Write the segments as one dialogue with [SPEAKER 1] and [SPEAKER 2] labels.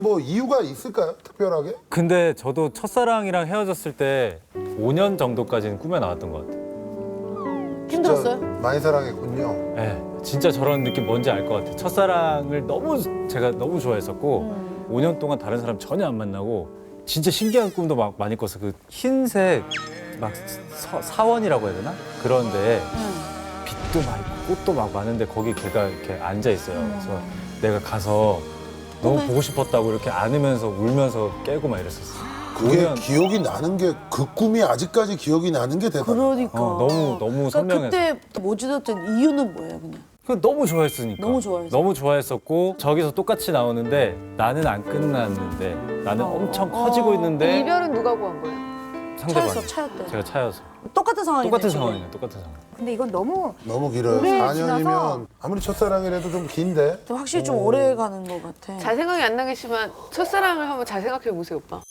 [SPEAKER 1] 뭐 이유가 있을까요? 특별하게?
[SPEAKER 2] 근데 저도 첫사랑이랑 헤어졌을 때 5년 정도까지는 꿈에 나왔던 것 같아요.
[SPEAKER 3] 힘들었어요?
[SPEAKER 1] 진짜 많이 사랑했군요.
[SPEAKER 2] 네, 진짜 저런 느낌 뭔지 알 것 같아요. 첫사랑을 제가 너무 좋아했었고 5년 동안 다른 사람 전혀 안 만나고 진짜 신기한 꿈도 막 많이 꿨어요. 그 흰색 막 사원이라고 해야 되나? 그런데 빛도 막 있고 꽃도 막 많은데 거기 걔가 이렇게 앉아 있어요. 그래서 내가 가서 너무 보고 싶었다고 이렇게 안으면서 울면서 깨고 막 이랬었어요.
[SPEAKER 1] 그게
[SPEAKER 2] 5년.
[SPEAKER 1] 기억이 나는 게 그 꿈이 아직까지 기억이 나는 게 대단하다.
[SPEAKER 3] 그러니까.
[SPEAKER 2] 너무
[SPEAKER 3] 그러니까
[SPEAKER 2] 선명해서.
[SPEAKER 3] 그때 못 잊었던 이유는 뭐예요, 그냥?
[SPEAKER 2] 너무 좋아했으니까.
[SPEAKER 3] 너무 좋아해서.
[SPEAKER 2] 너무 좋아했었고 저기서 똑같이 나오는데 나는 안 끝났는데 나는 엄청 커지고 있는데
[SPEAKER 4] 이별은 누가 구한 거예요?
[SPEAKER 2] 상대방이.
[SPEAKER 3] 차였대.
[SPEAKER 2] 제가 차여서.
[SPEAKER 3] 똑같은 상황이네.
[SPEAKER 2] 똑같은
[SPEAKER 3] 지금.
[SPEAKER 2] 상황이에요. 똑같은 상황.
[SPEAKER 5] 근데 이건 너무
[SPEAKER 1] 너무 길어요.
[SPEAKER 5] 오래
[SPEAKER 1] 4년이면
[SPEAKER 5] 지나서.
[SPEAKER 1] 아무리 첫사랑이라도 좀 긴데.
[SPEAKER 3] 확실히 좀 오래 가는 것 같아.
[SPEAKER 4] 잘 생각이 안 나겠지만 첫사랑을 한번 잘 생각해 보세요, 오빠.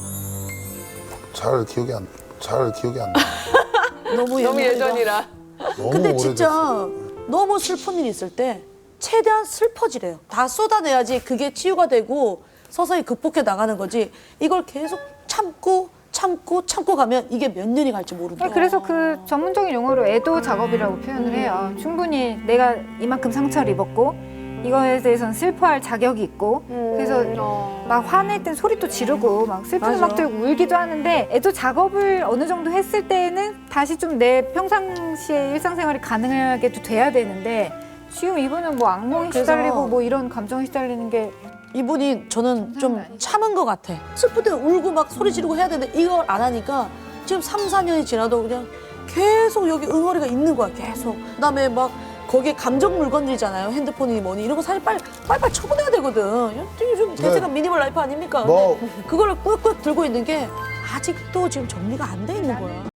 [SPEAKER 1] 잘 기억이 안 나.
[SPEAKER 3] 너무
[SPEAKER 4] 너무
[SPEAKER 3] 옛날이라.
[SPEAKER 4] 예전이라.
[SPEAKER 1] 너무
[SPEAKER 3] 근데
[SPEAKER 1] 오래됐어.
[SPEAKER 3] 진짜 너무 슬픈 일 있을 때 최대한 슬퍼지래요. 다 쏟아내야지 그게 치유가 되고 서서히 극복해 나가는 거지. 이걸 계속 참고 가면 이게 몇 년이 갈지 모른다.
[SPEAKER 5] 그래서 그 전문적인 용어로 애도 작업이라고 표현을 해요. 충분히 내가 이만큼 상처를 입었고 이거에 대해서는 슬퍼할 자격이 있고 그래서 막 화낼 땐 소리도 지르고 막 슬픈
[SPEAKER 3] 맞아.
[SPEAKER 5] 음악 들고 울기도 하는데 애도 작업을 어느 정도 했을 때에는 다시 좀 내 평상시에 일상생활이 가능하게도 돼야 되는데 지금 이분은 뭐 악몽에
[SPEAKER 3] 그래서-
[SPEAKER 5] 시달리고 뭐 이런 감정에 시달리는 게
[SPEAKER 3] 이분이 저는 좀 참은 것 같아. 슬플 때 울고 막 소리 지르고 해야 되는데 이걸 안 하니까 지금 3, 4년이 지나도 그냥 계속 여기 응어리가 있는 거야, 계속. 그다음에 막 거기에 감정 물건들이잖아요. 핸드폰이니 뭐니 이런 거 사실 빨리 처분해야 되거든. 요즘 대세가 미니멀 라이프 아닙니까?
[SPEAKER 1] 뭐-
[SPEAKER 3] 근데 그거를 꾹꾹 들고 있는 게 아직도 지금 정리가 안 돼 있는 거야.